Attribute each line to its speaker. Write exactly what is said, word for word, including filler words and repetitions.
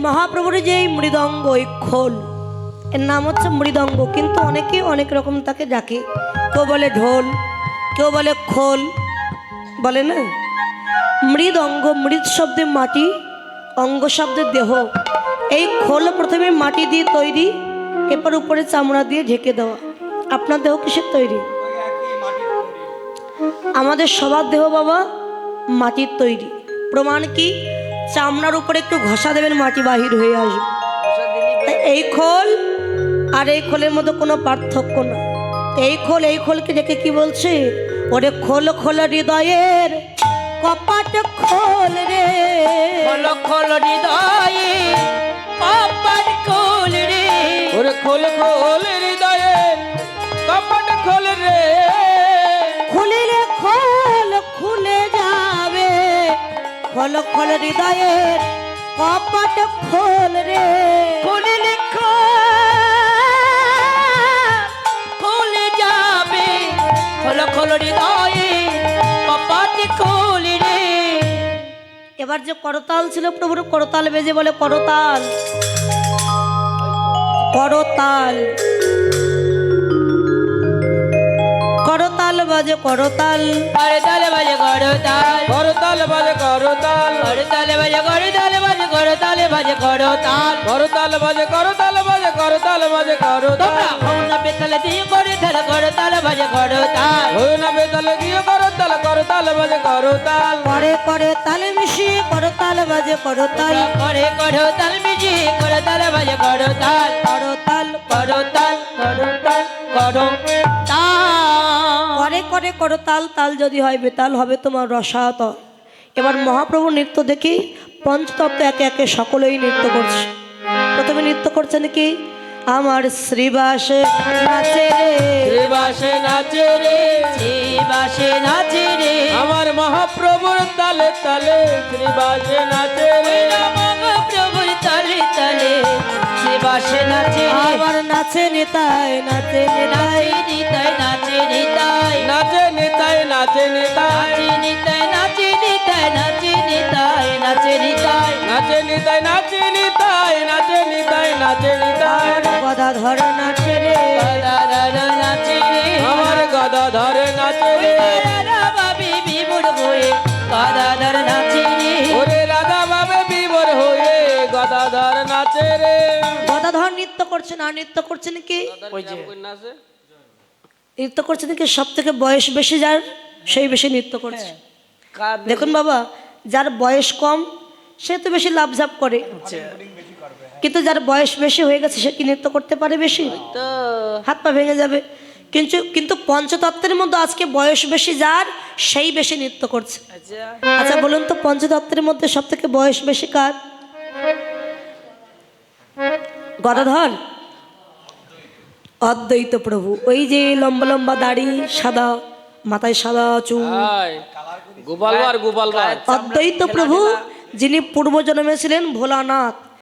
Speaker 1: মহাপ্রভুর যে এই মৃদঙ্গ, ওই খোল, এর নাম হচ্ছে মৃদঙ্গ, কিন্তু অনেকে অনেক রকম তাকে ডাকে। কেউ বলে ঢোল, কেউ বলে খোল, বলে না। মৃদঙ্গ, মৃদ শব্দে মাটি, অঙ্গ শব্দে দেহ। এই খোল প্রথমে মাটি দিয়ে তৈরি, এরপর উপরে চামড়া দিয়ে ঢেকে দেওয়া। আপনার দেহ কিসের তৈরি? আমাদের সবার দেহ বাবা মাটির তৈরি। প্রমাণ কি? চামড়ার উপরে একটু ঘষা দেবেন, মাটি বাহির হয়ে আসবে। এই খোল আর এই খোলের মধ্যে কোনো পার্থক্য না। এই খোল এই খোলকে দেখে কি বলছে? ওরে খোল খোল হৃদয়ের কপাট খোল রে,
Speaker 2: খোল খোল হৃদয়ে কপাট খোল রে, ওরে খোল খোল হৃদয়ে কপাট খোল রে,
Speaker 1: খুলিলে খোল খুলে যাবে, খোল খোল হৃদয়ের কপাট খোল রে,
Speaker 2: খুলিলে খুলে যাবে, খোল খোল হৃদয়ে কপাট খোল রে।
Speaker 1: এবার যে করতাল ছিল প্রভুর, করতাল বেজে বলে করতাল, করতাল, করতাল বাজে করতাল,
Speaker 2: করতাল বাজে করতাল, করতাল বাজে করতাল, করতাল বাজে করতাল বাজে করতাল বাজে করতাল, করতাল বাজে করতাল বাজে করতাল বাজে করতাল। হৌনা বেতাল দিয়ে করতাল করতাল বাজে করতাল, হৌনা বেতাল দিয়ে করতাল করতাল বাজে করতাল,
Speaker 1: করে করে তালে মিশিয়ে করতাল বাজে করতাল,
Speaker 2: করে করতাল মিশিয়ে করতাল বাজে করতাল,
Speaker 1: করতাল
Speaker 2: করতাল করতাল করতাল।
Speaker 1: করে করে করতাল, তাল যদি হয় বেতাল হবে তোমার রসাতল। এবার মহাপ্রভু নৃত্য দেখি পঞ্চতত্ত্ব একে একে সকলেই নৃত্য করছে। প্রথমে নৃত্য করছে নাকি? আমার শ্রীবাসে নাচে রে,
Speaker 2: শ্রীবাসে নাচে রে, শ্রীবাসে নাচে রে, আমার মহাপ্রভুর তালে তালে শ্রীবাসে নাচে রে, মহাপ্রভুর তালে তালে শ্রীবাসে নাচে রে,
Speaker 1: আবার নাচে নিতাই, নাচে নিতাই,
Speaker 2: নিতাই নাচে নিতাই, নাচে নিতাই নাচে নিতাই, নিতাই নাচে নিতাই, নাচে নিতাই নাচে নিতাই, নাচে নিতাই নাচে নিতাই, নাচে নিতাই নাচে নিতাই।
Speaker 1: গদাধর নাচে রে,
Speaker 2: গদাধর নাচে রে, আমার গদাধর নাচে রে, রাধা বাবে বিমূঢ় হয়ে গদাধর নাচে রে, ওরে রাধা বাবে বিমূঢ় হয়ে গদাধর নাচে রে।
Speaker 1: গদাধর নৃত্য করছে না, নৃত্য করছে নাকি? নৃত্য করছে নাকি সব থেকে বয়স বেশি যার, সেই বেশি নৃত্য করছে। দেখুন বাবা, যার বয়স কম সে তো বেশি লাভঝাপ করে, কিন্তু যার বয়স বেশি হয়ে গেছে সে কি নৃত্য করতে পারে বেশি? হাত পা ভেঙে যাবে। কিন্তু কিন্তু পঞ্চতত্ত্বের মধ্যে আজকে বয়স বেশি যার, সেই বেশি নৃত্য করছে। আচ্ছা বলুন তো, পঞ্চতত্ত্বের মধ্যে সব থেকে বয়স বেশি কার? গদাধর, অদ্বৈত প্রভু। ওই যে লম্বা লম্বা দাড়ি, সাদা মাথায় সাদা চুল,
Speaker 2: গোপালবার গোপালবার
Speaker 1: অদ্বৈত প্রভু যিনি পূর্ব জন্মে ছিলেন ভোলানাথ,